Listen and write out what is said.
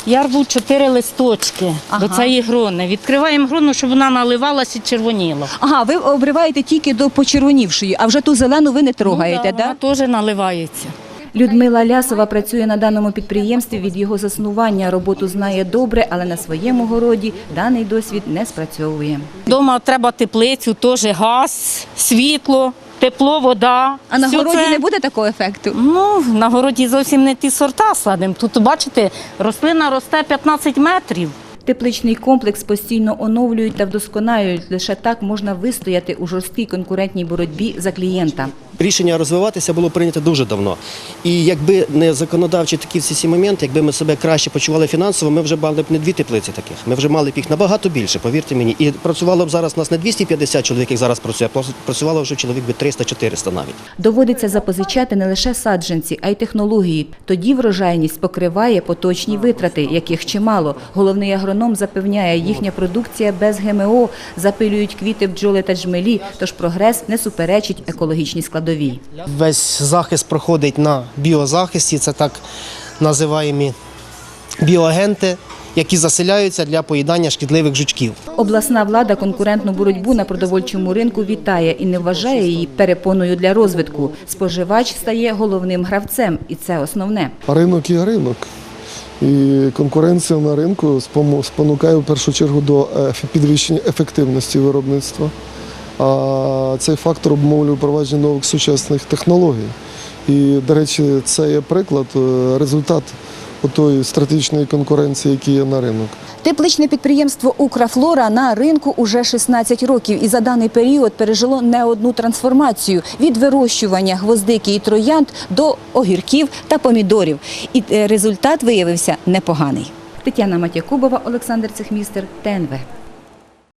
Я рву 4 листочки до цієї грони. Відкриваємо грону, щоб вона наливалася і червоніла. Ага, ви обриваєте тільки до почервонівшої, а вже ту зелену ви не трогаєте, Ну, так? вона теж наливається. Людмила Лясова працює на даному підприємстві від його заснування. Роботу знає добре, але на своєму городі даний досвід не спрацьовує. Дома треба теплицю, теж газ, світло, тепло, вода. А на Все городі це- не буде такого ефекту? Ну, на городі зовсім не ті сорта садимо. Тут, бачите, рослина росте 15 метрів. Тепличний комплекс постійно оновлюють та вдосконалюють. Лише так можна вистояти у жорсткій конкурентній боротьбі за клієнта. Рішення розвиватися було прийнято дуже давно. І якби не законодавчі такі всі моменти, якби ми себе краще почували фінансово, ми вже мали б не 2 теплиці таких. Ми вже мали б їх набагато більше, повірте мені. І працювало б зараз нас не 250 чоловік, як зараз працює, а працювало вже чоловік би 300-400 навіть. Доводиться запозичати не лише саджанці, а й технології. Тоді врожайність покриває поточні витрати, яких чимало. Головний агроном запевняє, їхня продукція без ГМО, запилюють квіти бджоли та джмелі, тож прогрес не суперечить екологічній складовій. Весь захист проходить на біозахисті, це так називаємо біоагенти, які заселяються для поїдання шкідливих жучків. Обласна влада конкурентну боротьбу на продовольчому ринку вітає і не вважає її перепоною для розвитку. Споживач стає головним гравцем, і це основне. Ринок є ринок. І конкуренція на ринку спонукає в першу чергу до підвищення ефективності виробництва. А цей фактор обумовлює впровадження нових сучасних технологій. І, до речі, це є приклад, результат тої стратегічної конкуренції, яка є на ринок. Тепличне підприємство «Украфлора» на ринку уже 16 років і за даний період пережило не одну трансформацію – від вирощування гвоздики і троянд до огірків та помідорів. І результат виявився непоганий. Тетяна Матякубова, Олександр Цехмістер, ТНВ.